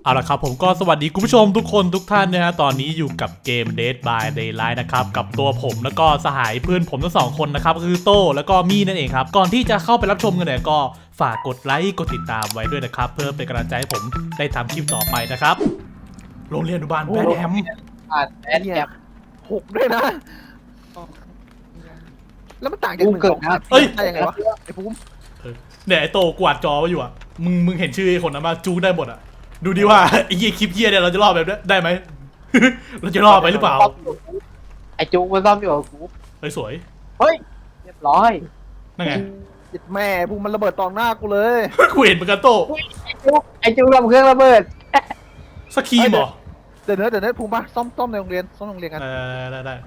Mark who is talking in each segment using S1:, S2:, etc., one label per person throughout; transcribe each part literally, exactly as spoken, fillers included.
S1: เอาละครับผมก็สวัสดีคุณผู้ชมทุกคนทุกท่านนะฮะตอนนี้อยู่กับเกม Dead by Daylight นะครับกับตัวผมแล้วก็สหายเพื่อนผมทั้งสองคนนะครับคือโต้แล้วก็มี่นั่นเองครับก่อนที่จะเข้าไปรับชมกันเนี่ยก็ฝากกดไลค์กดติดตามไว้ด้วยนะครับเพื่อเป็นกำลังใจให้ผมได้ทำคลิปต่อไปนะครับโรงเรียนอนุบาลแบดแฮม
S2: อ่านแอดแอป
S3: หกด้วยนะ แล้วมันต่างจากหนึ่งสอง
S1: เอ้ย
S3: ได้ยังไงวะไอ้ภูมิ
S1: เนี่ยไอโต้กวาดจอไว้อยู่อ่ะมึงมึงเห็นชื่อไอ้คนนั้นมาจูได้หมดอ่ะดูดิว่าไอ้เหี้ยคลิปเหี้ยเนี่ยเราจะรอดแบบนี้ได้ไหม เราจะรอดไปหรือเปล่า
S2: ไอจูมันซ่อมอยู่กับกู
S1: เฮ้ยสวย
S2: เฮ้ยเรียบร้อย
S1: นั่นไง
S3: จิตแม่ภูมิมันระเบิดตองหน้ากูเลย
S1: กูเห็นเหมือนกันโต้
S2: ไอจูไอจูทำเครื่องระเบิด
S1: สกีมเหรอ
S3: เดี๋ยวเนื้อเดี๋ยวเนื้อภูมิปะซ่อมซ่อมในโรงเรียนซ่อมในโรงเรียนกัน
S1: ได้ได้ได้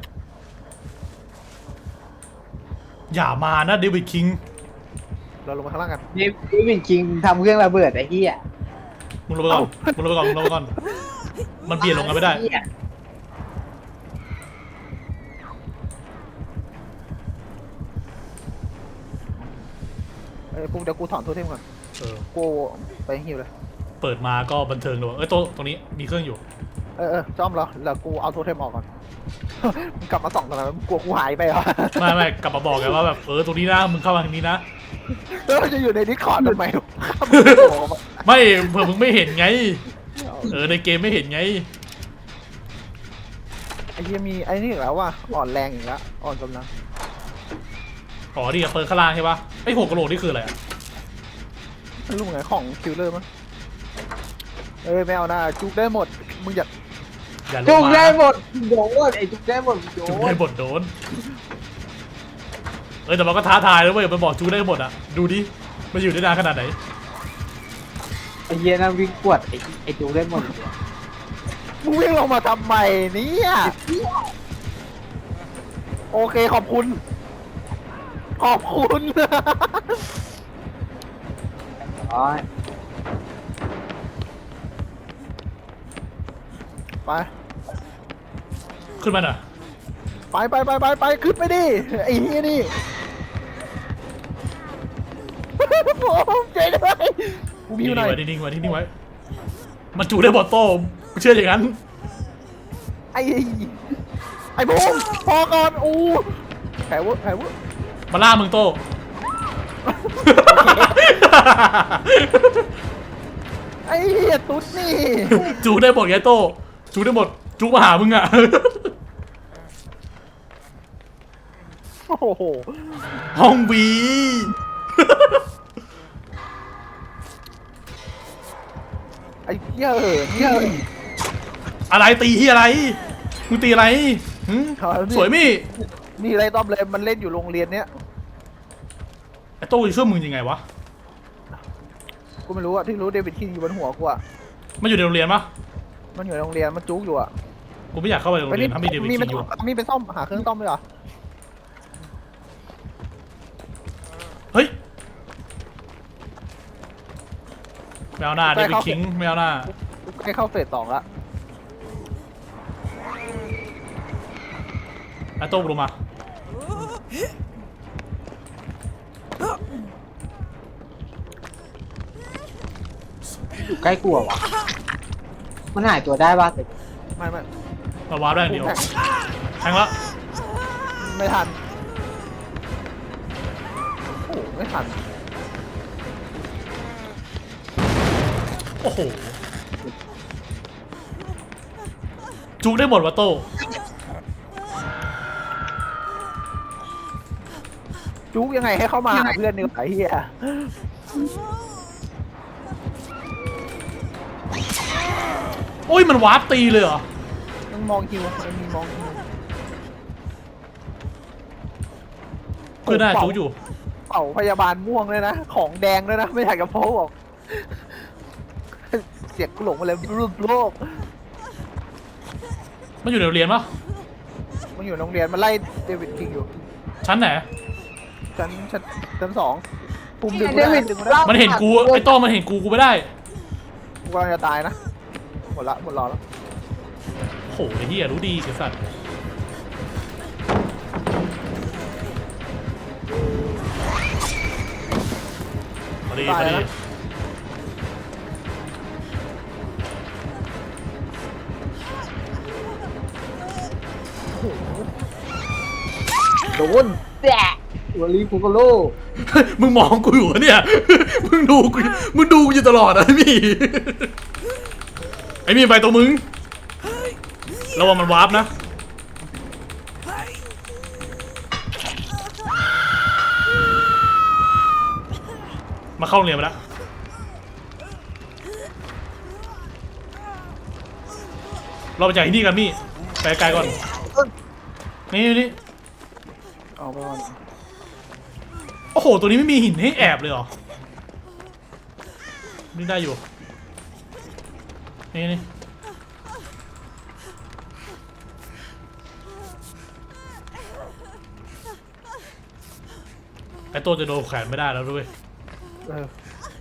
S1: อย่ามานะเดวิดคิง
S3: เราลงมาข้างล่างกัน
S2: นี่นี่เป็นคิงทำเครื่องระเบิดไอ้เหี้ย
S1: มึงลงไปก่อนมึงลงไปก่อนมึงลงไปก่อนมันเปลี่ยนลงกันไม่ได้
S2: เหี้ย
S3: ไอ้ภูมิเดี๋ยวกูถอนโทเทมก่อน
S1: เออ
S3: กูไปฮิวเลย
S1: เปิดมาก็บันเทิงเลยเอ้ยโต๊ะตรงนี้มีเครื่องอยู่
S3: เออเออซ่อมแล้วแล้วกูเอาโทเทมออกก่อน มึงกลับมาส่องทำไมมึงกลัวกูหายไปเหรอ
S1: ไม่ไม่กลับมาบอกกันว่าแบบเออตรงนี้นะมึงเข้ามาทางนี้นะ
S3: แล้วมันจะอยู่ในดิสคอร์ดทำไม
S1: ไม่เผื่อมึงไม่เห็นไงเออในเกมไม่เห็นไง
S3: ไอ้เหี้ยมีไอ้นี่อีกแล้วว่ะอ่อนแรงอีกแล้วอ่อนกำลัง
S1: อ๋อนี่กับเปิดข้างล่างใช่ปะไอ้หัวกะโหลกนี่คืออะไรอ่ะ
S3: ไม่รู้ไงของคิวเลอร์มั้งเอ้ยไม่เอานะจุกได้หมดมึงอย่า
S1: อย่าล
S2: จุ
S1: ง
S2: ก
S1: มา
S2: ได้หมดโดนไอจุกได้หมดโด
S1: จู
S2: น
S1: ได้บทโดนเออแต่มันก็ท้าทายแล้วเว้ยมันบอกจูได้หมดอ่ะดูดิมันอยู่ได้นานขนาดไหน
S2: ไอเหี้ยนั่งวิ่งกวดไอไอจุกได้หมด
S3: มึงวิ่งลงมาทำไมเนี่ยโอเคขอบคุณ ขอบคุณ
S2: อ๋อ
S3: ไป
S1: ขึ้นมาหน่อย
S3: ไปไปไปไปไปขึ้นไปดิไอ้เหี้ยนี่ ผมใจด้วยกูมี
S1: นิ่
S3: อง ยู่ไหน
S1: ๆไว้นิ่งๆไว้นิ่งๆไว้มันจูได้บทโต้กูเชื่ออย่างนั้น
S3: ไอ้ไอ้บูมพอก่อนอู้แผลเวะแผลเวะ
S1: มาล่ามึงโต้
S3: ไอ้เหี้ยตุ๊ดนี่
S1: จูได้หมดไงโต้จูได้หมดจูมาหามึงอ่ะ
S3: โอ้โห
S1: ห้องบี
S3: ไอ้เหี้ยเออเหี้ย
S1: อะไรตีที่อะไรมึงตีอะไรหึสวยมี่
S3: มีอะไรต้อมเลยมันเล่นอยู่โรงเรียนเนี้ย
S1: ไอ้โต้จะช่วยมึงยังไงวะ
S3: กูไม่รู้อะที่รู้เดวิดคิงอยู่บนหัวกูอะ
S1: มันอยู่ในโรงเรียนปะ
S3: มันอยู่ในโรงเรียนมันจุกอยู่อะ
S1: กูไม่อยากเข้าไปในโรงเรียนถ้ามีเดวิด
S3: มี
S1: คิ
S3: เป็น
S1: งอยู่
S3: มีเป็นซ่อมหาเครื่องซ่อมด้วยเหรอ
S1: เฮ้ยไม่เอาหน้าเดวิดคิงไม่เอาหน้า
S3: ใกล้เข้าเฟสสองละ
S1: ไอ้โต้ลงมา
S2: อยู่ใกล้กลัววะมันหายตัวได้ป่ะแต่
S3: ไม่ไม่
S1: มาวาร์ปได้อย่างเดียวแทงละ
S3: ไม่ทันโอ้โหไม่ทัน
S1: โอ้โหจุกได้หมดวะโต้
S3: จุกยังไงให้เข้ามาหาเพื่อนนี่ไอ้เหี้ย
S1: โอ้ยมันวาร์ปตีเลยเหรอ
S3: ต้องมองคิวมันมีมองคิว
S1: เพื่อนหน้าจุกอยู่
S3: เป่าพยาบาลม่วงเลยนะของแดงด้วยนะไม่อยากจะโพสบอกเสียงกูหลงมาเลยรูปโลก
S1: มันอยู่ในโรงเรียนปะ
S3: มันอยู่โรงเรียนมันไล่เดวิดคิงอยู่
S1: ชั้นไหน
S3: ชั้นชั้นชั้นสองภูมิดึง
S2: เด
S3: ไม่ได้
S2: วิด
S3: ดึงไม่ได้
S1: มันเห็นกูไอ้โต้มันเห็นกูกูไม่ได้
S3: กูกำลังจะตายนะหมดละหมดรอแล้ว
S1: โหไอ้เหี้ยรู้ดีไอ้สัตว์มาดีมาดี
S2: โดนแดะตัวรีฟูโกโล
S1: มึงมองกูอยู่เหรอเนี่ย มึงดูกูมึงดูกูอยู่ตลอดนะพี่ ไอ้มีไปตัวมึงระวังมันวาร์ปนะ มาเข้าโรงเรียนไปแล้ว เราไปจากที่นี่กันมี่ไปไกลก่อน นี่นี่
S3: เอาไปก่อน
S1: โอ้โห ตัวนี้ไม่มีหินให้แอบเลยเหรอ นี่ได้อยู่ นี่นี่ไอตัวจะโดนแขวนไม่ได้แล้วด้วย
S3: เออ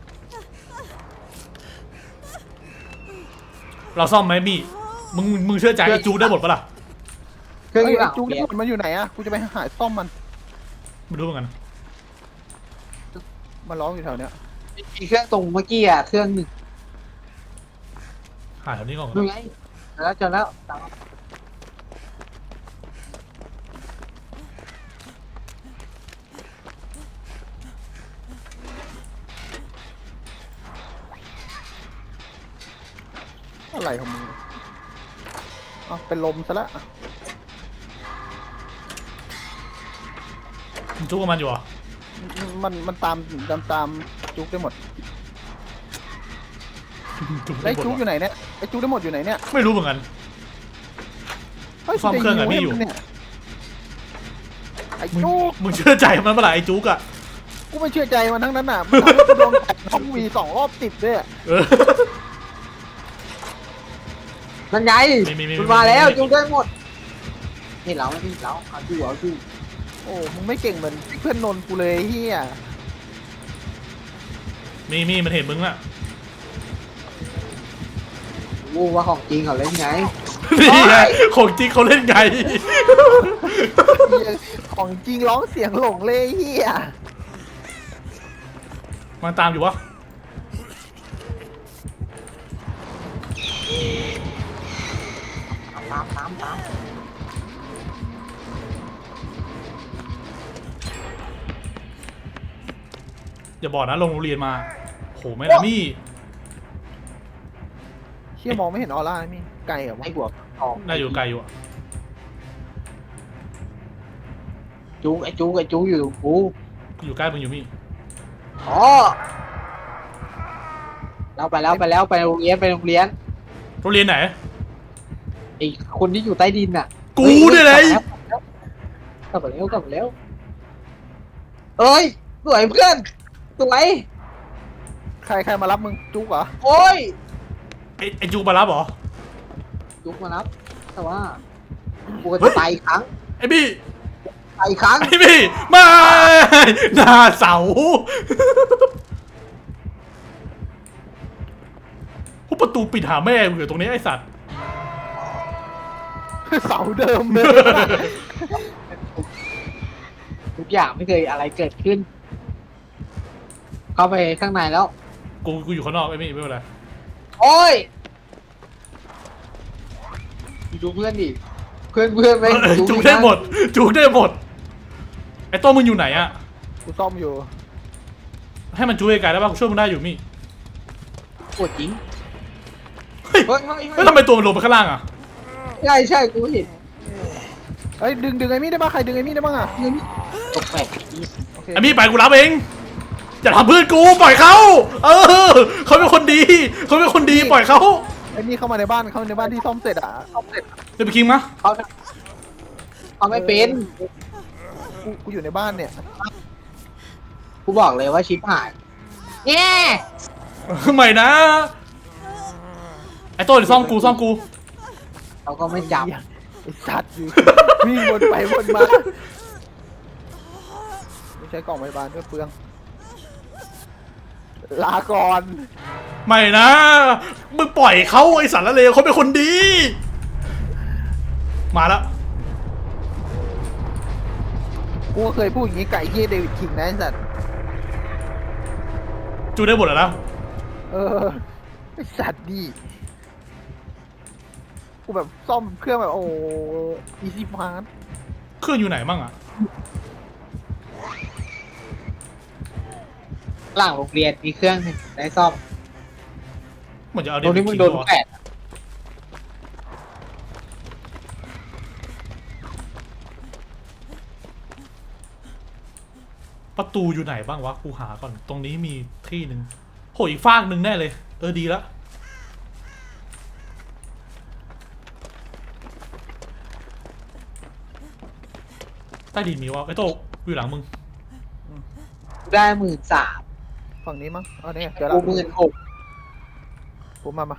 S1: เราซ่อมไหมมี่ มึงมึงเชื่อใจไอจูได้หมดปะล่ะ
S2: เครื่อง
S3: เฮ้
S2: อย ยู่หลัง
S3: จู
S2: เปลี่ยน
S3: มันอยู่ไหนอะกูจะไปหาซ่อมมัน
S1: ไม่รู้เหมือนกัน
S3: มันร้องอยู่แถวเนี้ย
S2: มีเครื่องตรงเมื่อกี้อ่ะเครื่องหนึ่ง
S1: หาแถวนี้ก่อน
S2: ดูไงแล้วเจอแล้วตาม
S3: อะไรของมึงอ๋อเป็นลมซะละ
S1: มึงจุกกับมันอยู่เหรอ
S3: มันมันตามตามตามจุกได้หมด
S1: จุก
S3: ไอ้
S1: ได้หมด
S3: จุกอยู่ไหนเนี่ยไอ้จุกได้หมดอยู่ไหนเนี่ย
S1: ไม่รู้เหมือนกัน
S3: ฮ้ย
S1: ซ่อมเครื่องอะพี่อยู่
S3: เนี่ยไอ้
S1: มึง
S3: จุก
S1: มึงเชื่อใจมันปะล่ะไอจุกอะ
S3: กูไม่เชื่อใจมันทั้งนั้นน่ะมันทำให้กูโดนแตะท้องวีสองรอบติดด้วยอะ
S1: เออ
S2: นั่นไง
S1: มีมีมี
S2: มันมาแล้ว
S1: มีมี
S2: จูได้หมดนี่เรานี่เราเอาจูเอาจู
S3: โอ้มึงไม่เก่งเหมือนเพื่อนนนท์กูเลยเฮีย
S1: มีมีมันเห็นมึงอะ
S2: โอ้ว่าของจริงเขาเล่นไง
S1: นี่ไงของจริงเขาเล่นไง
S3: เหี้ยของจริงร้องเสียงหลงเลยเฮีย
S1: มันตามอยู่วะ
S2: ตามตามตาม
S1: อย่าบอกนะลงโรงเรียนมาโหแม่นะมี่
S3: เชี่ยมองไม่เห็นออร่าเลยมี่ไกลเหรอวะ
S2: ไอ้หัวทอง
S1: น่าอยู่ไกลอยู่อะ
S2: จูไอ้จูไอ้จูอยู่กู
S1: อยู่ใกล้มึงอยู่มี่
S2: อ๋อเราไปแล้วไปแล้วไปโรงเรียนไปโรงเรียน
S1: โรงเรียนไหน
S2: ไอ้คนที่อยู่ใต้ดินน่ะ
S1: กูเนี่ยเลย
S2: กลับมาแล้วกลับมาแล้วเอ้ยสวยเพื่อนสวย
S3: ใครใครมารับมึงจุกเหรอ
S2: โอ้ย
S1: ไอไอจูมารับเหรอ
S2: จุกมารับแต่ว่ากูก็จะตายอีกครั้ง
S1: ไอบี้
S2: ตายอีกครั้ง
S1: ไอบี้ไม่หน้าเสาพวกประตูปิดหาแม่มึงอยู่ตรงนี้ไอสัตว์
S3: เสาเดิมเลย
S2: ทุกอย่างไม่เคยอะไรเกิดขึ้น เข้าไปข้างในแล้ว
S1: กูกูอยู่ข้างนอกไอบี้ไม่เป็นไร
S2: โอ้ยดูเพื่อนดิเพื่อนเพื่อนไป
S1: เออจูได้หมดจูได้หมดไอโต้มึงอยู่ไหนอะ
S3: กูซ่อมอยู่
S1: ให้มันจูไกลๆได้ป่ะกูช่วยมึงได้อยู่มี่
S2: ปวดจริง
S1: เฮ้ย
S2: เฮ้ยเฮ้ย
S1: แล้วทำไมตัวมันลงไปข้างล่างอะ
S2: ใช่ใช่กูเห็น
S3: เฮ้ยดึงดึงไอ้มี่ได้ป่ะใครดึงไอ้มี่ได้บ้างอ่ะ
S2: ตกแปลก
S3: โอเค
S1: ไอมี่ไปกูรับเองอย่าทำเพื่อนกูปล่อยเขาเออเขาเป็นคนดีเขาเป็นคนดีปล่อยเขา
S3: ไอ้มี่เข้ามาในบ้านเข้ามาในบ้านที่ซ่อมเสร็จอ่ะ
S1: เดี๋ยวไปคิงมะ
S2: เขาเขาไม่เป็น
S3: กูกูอยู่ในบ้านเนี่ย
S2: กูบอกเลยว่าชิปหายแง่
S1: ใหม่นะ ไอ้โต้เดี๋ยวซ่อมกูซ่อมกู
S2: เขาก็ไม่จับ
S3: ไอ้สัตว์อยู่วิ่งวนไปวนมาไม่ใช้กล่องพยาบาลด้วยเปลืองลาก่อน
S1: ใหม่นะ มึงปล่อยเขาไอ้สารละเลวเขาเป็นคนดี มาแล้ว
S3: กูก็เคยพูดอย่างนี้ไก่เฮียเดวิดคิงนะไอ้สัตว์
S1: จูได้หมดแล้วนะ
S3: เออไอ้สัตว์ดีกูแบบซ่อมเครื่องแบบโอ้อีซี่พาร์
S1: เครื่องอยู่ไหนบ้างอะ
S2: หลังโรงเรียนมีเครื่องหนึ่งได้ซ่อม
S1: เหมือนจะเอา
S2: ตรงนี้มึงโดน
S1: ทิ้
S2: แปด
S1: ประตูอยู่ไหนบ้างวะกูหาก่อนตรงนี้มีที่หนึ่งโหอีกฟากหนึ่งแน่เลยเออดีละใต้ดินมีวะไอ้โตอยู่หลังมึง
S2: ได้หมื่นสาม
S3: ฝั่งนี้มั้งเอาเนี่ยเดี๋ยว
S2: กู
S3: ละ
S2: หมื่นหก
S3: ผมมามา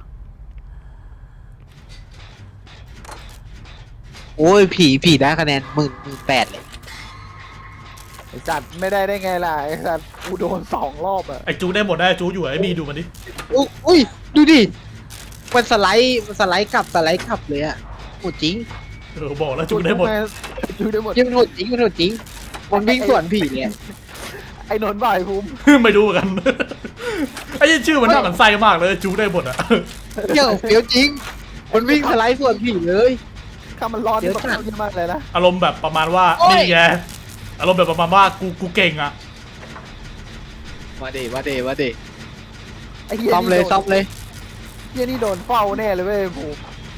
S2: โอ้ยผีผีได้คะแนนหมื่นหมื่นแปดเลย
S3: ไอ้สัตว์ไม่ได้ได้ไงล่ะไอ้สัตว์กูโดนสองรอบอะ
S1: ไอ้จูได้หมดได้จูอยู่ไอ้มีดูมันดิ
S2: อุ๊ยอุ้ยดูดิมันสไลด์มันสไลด์กลับสไลด์กลับเลยอะโหดจริง
S1: เออบอกแล้วจูได้หมด
S3: จูได้หมด
S2: ยังมันโหดจริงมันโหดจริงมันวิ่งสวนผีเนี่ย
S3: ไอ้นนท์บ่ายภูมิ
S1: ไม่รู้เหมือนกัน ไอ้ชื่อมันน่าหมันไส้มากเลยจูได้หมดอะ
S2: เหี้ยเฟี้ยวจริงมันวิ่งสไลด์สวนผีเลย
S3: ถ้ามันร้อน
S2: เดี๋ยว
S3: มัน
S2: จัด
S3: เยอะมากเลยนะ
S1: อารมณ์แบบประมาณว่า
S2: โอ้ย
S1: นี่ไงอารมณ์แบบประมาณว่ากูกูเก่งอะ
S2: มาเดมาเดมาเด
S3: ไอ้เหี้ย
S2: ซ่อมเลย
S3: นี่โดน
S2: ซ่อมเลย
S3: เหี้ยนี่โดนเฝ้าแน่เลยเว้ยภูมิ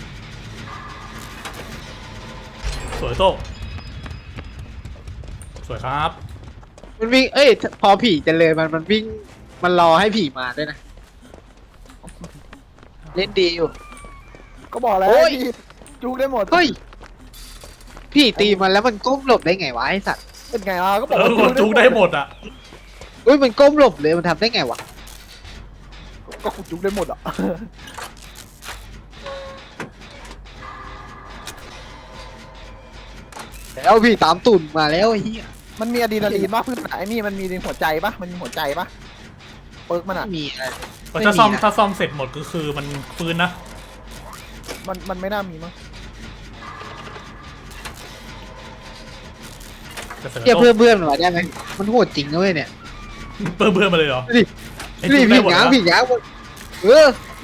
S1: สวยโตสวยครับ
S2: มันวิ่งเอ้ยพอผีจะเลยมันมันวิ่งมันรอให้ผีมาด้วยนะเล่นดีอยู่
S3: ก็บอกแล้ว
S2: โอ้ย
S3: พี่จูได้หมด
S2: เฮ้ยพี่ตีมันแล้วมันก้มหลบได้ไงวะไอสัตว์
S3: เป็นไงอ่ะก็บอก
S1: เออ
S3: ว่าก
S1: ดจูได้หมดอะ
S2: เฮ้ยมันก้มหลบเลยมันทำได้ไงวะ
S3: ก็กูจูได้หมดอ่ะ
S2: แล้วพี่ตามตุ่นมาแล้วไอ้เหี้ย
S3: มันมีอะดรีนาลีนป่ะเพื่อนไอ้นี่มันมีหัวใจป่ะมันมีหัวใจป่ะเปิร์กมันอ่ะ
S2: ไม่มีอะไร
S1: ถ้าซ่อม
S2: ไม่มีนะ
S1: ถ้าซ่อมเสร็จหมดก็คือมันฟื้นนะ
S3: มันมันไม่น่ามีมั้ง
S1: จะเสริม
S2: เทียบ
S1: โต
S2: เพื่อนเพื่อนมาได้ไหมมันโหดจริงนะเว้ยเนี่ย
S1: เพิ่มเพิ่มมาเลยเหรอ
S2: ดูดิ
S1: ไอ้
S2: นี่
S1: จู
S2: ผี
S1: ได้หมด
S2: หงาง
S1: นะ
S2: ผีหงางหมดเออ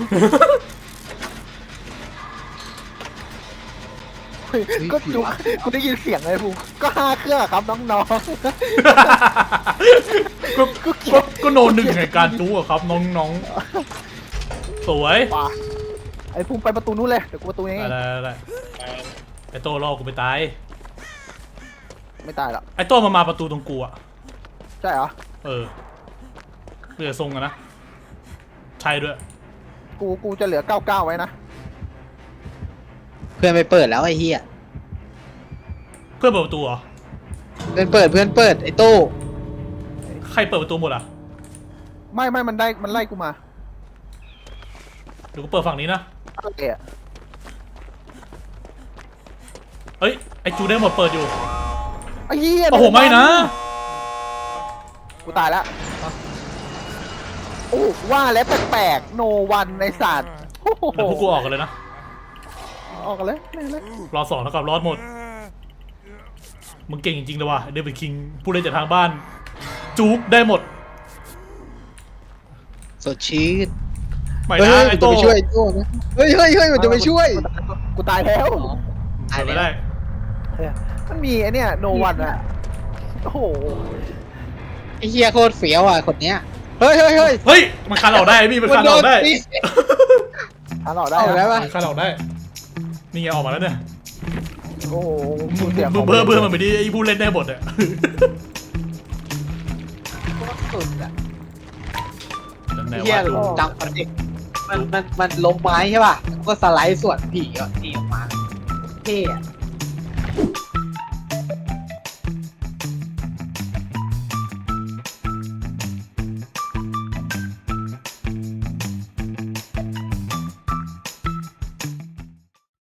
S3: เฮ้ยก็จุกกูได้ยินเสียงเลยภูมิก็ห้าเครื่องอะครับน้อง
S1: ก็ก็ก็ก็โนหนึ่งในการจูอะครับน้องน้องสวย
S3: ๆป่ะไอ้ภูมิไปประตูนู้นเลยเดี๋ยวกูประตูนี้
S1: อะไรอะไรไอ้โตรอกูไปตาย
S3: ไม่ตายหรอก
S1: ไอ้โตมามาประตูตรงกูอะ
S3: ใช่เหรอ
S1: เออเรือทรงอะนะใช่ด้วย
S3: กูกูจะเหลือเก้าเก้าไว้นะ
S2: เพื่อนไปเปิดแล้วไอ้เหี้ย
S1: เพื่อนเปิดประตูเหรอ
S2: เพื่อนเปิดเพื่อนเปิดไอ้โต้
S1: ใครเปิดประตูหมดอะ
S3: ไม่ไม่มันได้มันไล่กูมา
S1: เดี๋ยวกูเปิดฝั่งนี้นะ
S3: เอะ
S1: เอ้ยไอ้จูได้หมดเปิดอยู่
S3: ไอ้เหี้ย
S1: โอ้โหไม่นะ
S3: กูตายแล้วโอ้ว่าแล้วแปลกๆโนวันในศาสตร์โอ้โห
S1: เดี๋ยวพวกกูออกกันเลยนะ
S3: ออกกันเลยไม่เลย
S1: รอสองแล้วกับรอดหมดมึงเก่งจริงๆเลยว่ะเดวิดคิงผู้เล่นจากทางบ้านจู๊กได้หมด
S2: สดชื่น
S1: ไม่
S2: เฮ้ย
S1: นะ
S2: มั
S1: ไอ้
S2: น
S1: โต
S2: จะไปช่วยไอ้โต้นะเฮ้ยเฮ้ยเฮ้ยมันจะไปช่วย
S3: กูตายแล้ว
S2: ตาย
S1: เปิดไม่
S2: แล้
S1: ได้
S2: ว
S3: มันมีไอเนี่ยโนวันอะโอ้โห
S2: ไอ้เหี้ยโคตรเฟี้ยวอ่ะคนเนี้ยเฮ้ยเฮ้ยเฮ้ย
S1: เฮ้ยมันคันออกได้พี่มันคันออกได้
S2: ตี
S3: อ่านออกได้
S2: เอาแล้ว
S3: นะ
S2: ปะ
S1: มันคันออกได้นี่ไงออกมาแล้วเนี่ย
S3: โอ้โห
S1: มึง
S3: เสียง
S1: มึงเบื่อเบื่อมันไปดิไอ้ผู้เล่นได้หมดอะ
S2: โคตรสุดอ่ะ
S1: นั่นแห
S2: ไอ้
S1: ละ
S2: เหี้ย
S1: ว่า
S2: จำคอนเด็กมันมันมันลงไม้ใช่ป่ะแล้วก็สไลด์ส่วนผีอ่ะนี่ออกมาเท่อะ